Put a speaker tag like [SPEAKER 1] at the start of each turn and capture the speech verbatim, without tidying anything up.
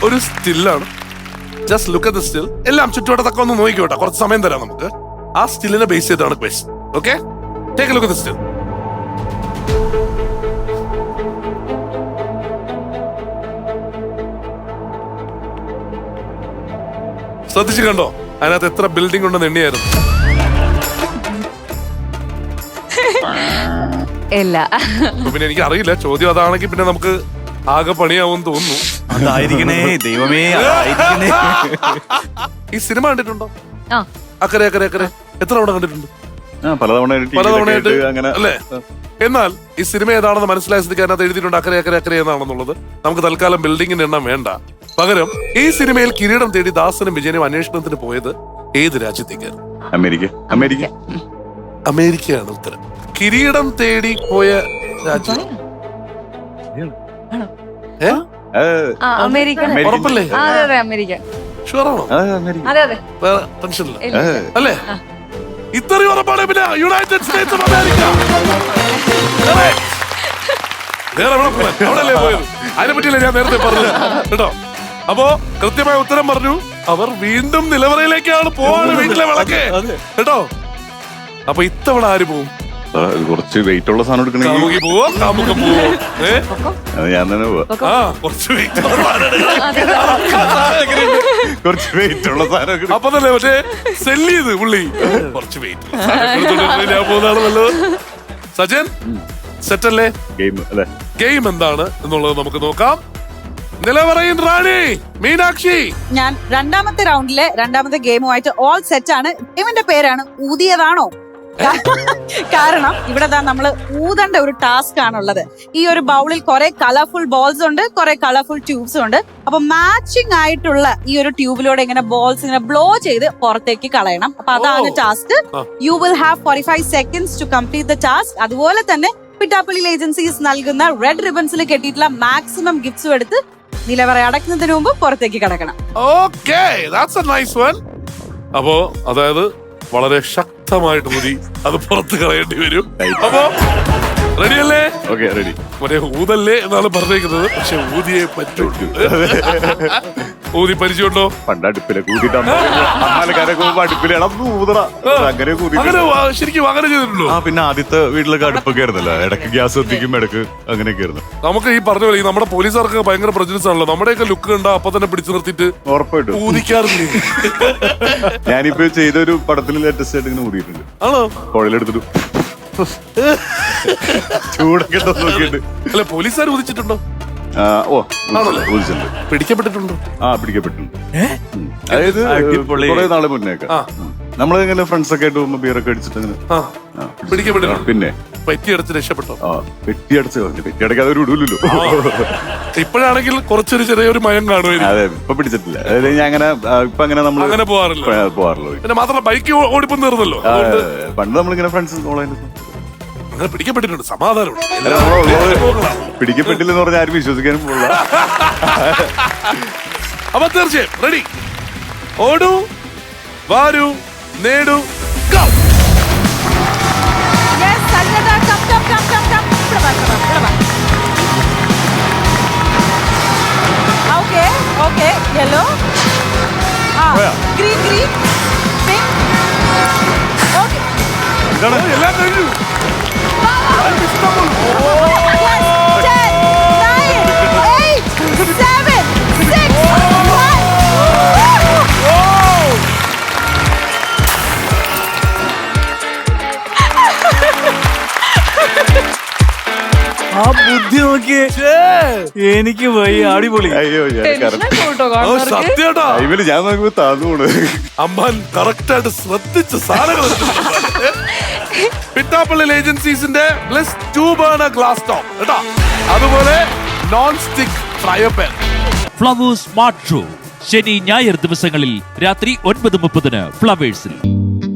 [SPEAKER 1] ഒരു സ്റ്റില്ലാണ്. Just look at the still. എല്ലാം ചുറ്റുവട്ടത്തൊക്കെ ഒന്ന് നോക്കിക്കോട്ടെ, കുറച്ച് സമയം തരാം നമുക്ക്. ആ സ്റ്റില്ലിനെ ബേസ് ചെയ്താണ് quest. Okay, take a look at the still. ശ്രദ്ധിച്ചു കണ്ടോ അതിനകത്ത് എത്ര ബിൽഡിംഗ് ഉണ്ടെന്ന് എണ്ണിയായിരുന്നു?
[SPEAKER 2] ഇല്ല.
[SPEAKER 1] പിന്നെ എനിക്ക് അറിയില്ല, ചോദ്യം അതാണെങ്കിൽ പിന്നെ നമുക്ക് ആകെ പണിയാവും തോന്നുന്നു.
[SPEAKER 3] അതായിരിക്കണേ ദൈവമേ.
[SPEAKER 1] ഈ സിനിമ കണ്ടിട്ടുണ്ടോ?
[SPEAKER 2] ആ,
[SPEAKER 1] അക്കരെ അക്കരെ അക്കരെ എത്ര തവണ കണ്ടിട്ടുണ്ട്?
[SPEAKER 3] പലതവണ
[SPEAKER 1] പലതവണയായിട്ട് അല്ലേ? എന്നാൽ ഈ സിനിമ ഏതാണെന്ന് മനസ്സിലായ സ്ഥിതിക്ക് അതിനകത്ത് എഴുതിയിട്ടുണ്ട് അക്കരെ അക്കരെ അക്കരെ എന്നാണെന്നുള്ളത്. നമുക്ക് തൽക്കാലം ബിൽഡിങ്ങിന്റെ എണ്ണം വേണ്ട. പകരം ഈ സിനിമയിൽ കിരീടം തേടി ദാസനും വിജയനും അന്വേഷണത്തിന് പോയത് ഏത് രാജ്യത്തേക്കാണ്?
[SPEAKER 3] അമേരിക്ക. അമേരിക്ക
[SPEAKER 1] അമേരിക്കയാണ് ഉത്തരം. കിരീടം തേടി പോയ രാജ്യം ഏ
[SPEAKER 2] ആ, അമേരിക്ക.
[SPEAKER 1] ഉറപ്പല്ലേ?
[SPEAKER 2] ആ, അതെ അതെ അമേരിക്ക.
[SPEAKER 1] ഷുവറാണോ?
[SPEAKER 2] അതെ അതെ.
[SPEAKER 1] വേറെ ടെൻഷനില്ല
[SPEAKER 2] ഇല്ല.
[SPEAKER 1] അല്ലേ? ഇത്രയും ഉറപ്പാണ്. പിന്നെ യുണൈറ്റഡ് സ്റ്റേറ്റ്സ് ഓഫ് അമേരിക്ക. വേറെ എവിടെ പോകാൻ? അവിടെയല്ലേ പോയത്? അതിനെ പറ്റിയല്ലേ ഞാൻ നേരത്തെ പറഞ്ഞത് കേട്ടോ. അപ്പോ കൃത്യമായ ഉത്തരം പറഞ്ഞു. അവർ വീണ്ടും നിലവറയിലേക്കാണ് പോവാണ്. വീട്ടിലെ വിളക്ക് കേട്ടോ. അപ്പൊ ഇത്തവണ ആര് പോവും?
[SPEAKER 3] കുറച്ച് വെയിറ്റ് ഉള്ള സാധനം എടുക്കണമെങ്കിൽ
[SPEAKER 1] കാമുകി പോവോ? കാമുകം പോവോ? ഏ
[SPEAKER 3] ഞാൻ തന്നെ പോവാ.
[SPEAKER 1] ആ കുറച്ച് വെയിറ്റ്
[SPEAKER 3] കുറച്ച് വെയിറ്റ് ഉള്ള സാധനം.
[SPEAKER 1] അപ്പൊ തന്നെ മറ്റേ സെല്ല് ചെയ്ത് പുള്ളി കുറച്ച് വെയിറ്റ് ഞാൻ പോകുന്നതാണ് നല്ലത്. സജൻ സെറ്റ് അല്ലേ?
[SPEAKER 3] ഗെയിം അല്ലേ?
[SPEAKER 1] ഗെയിം എന്താണ് എന്നുള്ളത് നമുക്ക് നോക്കാം. നിലവറയിൻ റാണി മീനാക്ഷി.
[SPEAKER 4] ഞാൻ രണ്ടാമത്തെ റൗണ്ടിലെ രണ്ടാമത്തെ ഗെയിമുമായിട്ട് ഓൾ സെറ്റ് ആണ്. ഗെയിമിന്റെ പേരാണ് ഊതിയതാണോ? കാരണം ഇവിടെ നമ്മള് ഊതേണ്ട ഒരു ടാസ്ക് ആണുള്ളത്. ഈ ഒരു ബൗളിൽ കുറെ കളർഫുൾ ബോൾസ് ഉണ്ട്, കുറെ കളർഫുൾ ട്യൂബ്സ് ഉണ്ട്. അപ്പൊ മാച്ചിങ് ആയിട്ടുള്ള ഈ ഒരു ട്യൂബിലൂടെ ഇങ്ങനെ ബോൾസ് ഇങ്ങനെ ബ്ലോ ചെയ്ത് പുറത്തേക്ക് കളയണം. അപ്പൊ അതാണ് task. You will have forty five seconds to complete the task. അതുപോലെ തന്നെ പിറ്റാപ്പള്ളി ഏജൻസീസ് നൽകുന്ന റെഡ് റിബൺസിൽ കെട്ടിയിട്ടുള്ള മാക്സിമം ഗിഫ്റ്റ്സും എടുത്ത് നിലവറ അടക്കുന്നതിന് മുമ്പ് പുറത്തേക്ക് കടക്കണം.
[SPEAKER 1] Okay, that's a nice one. അപ്പോ അതായത് വളരെ ശക്തമായിട്ട് ഊതി അത് പുറത്ത് കളയേണ്ടി വരും. അപ്പോ റെഡിയല്ലേ?
[SPEAKER 3] Okay, ready.
[SPEAKER 1] മറ്റേ ഊതല്ലേ എന്നാണ് പറഞ്ഞേക്കുന്നത്, പക്ഷെ ഊതിയെ പറ്റുള്ളൂ. ഊതി പരിചയമുണ്ടോ?
[SPEAKER 3] പണ്ട് അടുപ്പിലെ കൂട്ടിട്ട് അടുപ്പിലെ ഊതറ അങ്ങനെ കൂതി.
[SPEAKER 1] അങ്ങനെ ശരിക്കും അങ്ങനെ ചെയ്തിട്ടുണ്ടോ?
[SPEAKER 3] ആ, പിന്നെ ആദ്യത്തെ വീട്ടിലൊക്കെ അടുപ്പൊക്കെ ആയിരുന്നല്ലോ. ഇടയ്ക്ക് ഗ്യാസ് എത്തിക്കും, ഇടയ്ക്ക് അങ്ങനെയൊക്കെ ആയിരുന്നു.
[SPEAKER 1] നമുക്ക് ഈ പറഞ്ഞ പോലെ നമ്മുടെ പോലീസുകാർക്ക് ഭയങ്കര പ്രജനസ് ആണല്ലോ. നമ്മുടെയൊക്കെ ലുക്ക് കണ്ട അപ്പൊ തന്നെ പിടിച്ചു നിർത്തിയിട്ട്
[SPEAKER 3] ഉറപ്പായിട്ടും
[SPEAKER 1] ഊതിക്കാറില്ലേ?
[SPEAKER 3] ഞാനിപ്പോ ചെയ്തൊരു പടത്തിൽ ലേറ്റസ്റ്റ് ആയിട്ട് ഇങ്ങനെ ഊതിയിട്ടുണ്ട്.
[SPEAKER 1] ആണോ?
[SPEAKER 3] പുഴയിലെടുത്തിട്ട് ചൂടൊക്കെ നോക്കിയിട്ട്.
[SPEAKER 1] അല്ല, പോലീസുകാർ ഊതിച്ചിട്ടുണ്ടോ?
[SPEAKER 3] ഓ, ഊതിച്ചിട്ടുണ്ട്.
[SPEAKER 1] പിടിക്കപ്പെട്ടിട്ടുണ്ടോ?
[SPEAKER 3] ആ, പിടിക്കപ്പെട്ടിട്ടുണ്ട്. അതായത് കുറെ നാളെ മുന്നേക്കെ നമ്മള് ഇങ്ങനെ ഫ്രണ്ട്സ് ഒക്കെ ആയിട്ട് പോകുമ്പോ ബിയറൊക്കെ അടിച്ചിട്ട് അങ്ങനെ
[SPEAKER 1] പിടിക്കപ്പെട്ടിട്ടുണ്ട്.
[SPEAKER 3] പിന്നെ
[SPEAKER 1] പെറ്റിയടച്ച് രക്ഷപ്പെട്ടോ?
[SPEAKER 3] ആ, പെറ്റിയടച്ച് പെറ്റിയടക്കാതെ ഒരു ഇടൂലല്ലോ.
[SPEAKER 1] ഇപ്പോഴാണെങ്കിൽ കുറച്ചൊരു ചെറിയൊരു മയം കാണുമായിരിക്കും.
[SPEAKER 3] അതെ, ഇപ്പൊ പിടിച്ചിട്ടില്ല. അതായത് ഞാൻ അങ്ങനെ ഇപ്പൊ അങ്ങനെ നമ്മൾ
[SPEAKER 1] അങ്ങനെ പോവാറില്ല
[SPEAKER 3] പോവാറില്ല
[SPEAKER 1] പിന്നെ മാത്രമല്ല ബൈക്ക് ഓടിപ്പം തീർന്നല്ലോ.
[SPEAKER 3] പണ്ട് നമ്മളിങ്ങനെ ഫ്രണ്ട്സ്
[SPEAKER 1] അങ്ങനെ പിടിക്കപ്പെട്ടിട്ടുണ്ട്. സമാധാനം
[SPEAKER 3] പിടിക്കപ്പെട്ടില്ലെന്ന് പറഞ്ഞാൽ ആരും വിശ്വസിക്കാനും പോകില്ല.
[SPEAKER 1] അപ്പൊ തീർച്ചയായും റെഡി. ഓടൂ, വാരൂ, നേടൂ, go.
[SPEAKER 4] Yes, Sanjata, come, come, come, come, come. ഇവിടെ വാ, ഇവിടെ വാ, ഇവിടെ വാ. Okay, okay, yellow. ആ, green, green, pink. Okay.
[SPEAKER 1] എല്ലാം കഴിഞ്ഞു.
[SPEAKER 4] Yes, ten, nine, eight, seven, six, five.
[SPEAKER 5] ആ ബുദ്ധി നോക്കിയേ. എനിക്ക് വയ്യ, അടിപൊളി.
[SPEAKER 3] അയ്യോ,
[SPEAKER 1] സത്യേട്ടാ,
[SPEAKER 3] ഞാൻ നോക്കുമ്പോ താന്നുകൂടെ.
[SPEAKER 1] അമ്മാൻ കറക്റ്റ് ആയിട്ട് ശ്രദ്ധിച്ച സാധനങ്ങൾ. പിറ്റാപ്പള്ളി ഏജൻസീസിന്റെ plus two burner glass top കേട്ടോ. അതുപോലെ non stick fryer pan.
[SPEAKER 6] Flowers smart show ശനി ഞായർ ദിവസങ്ങളിൽ രാത്രി ഒൻപത് മുപ്പതിന് ഫ്ലവേഴ്സിൽ.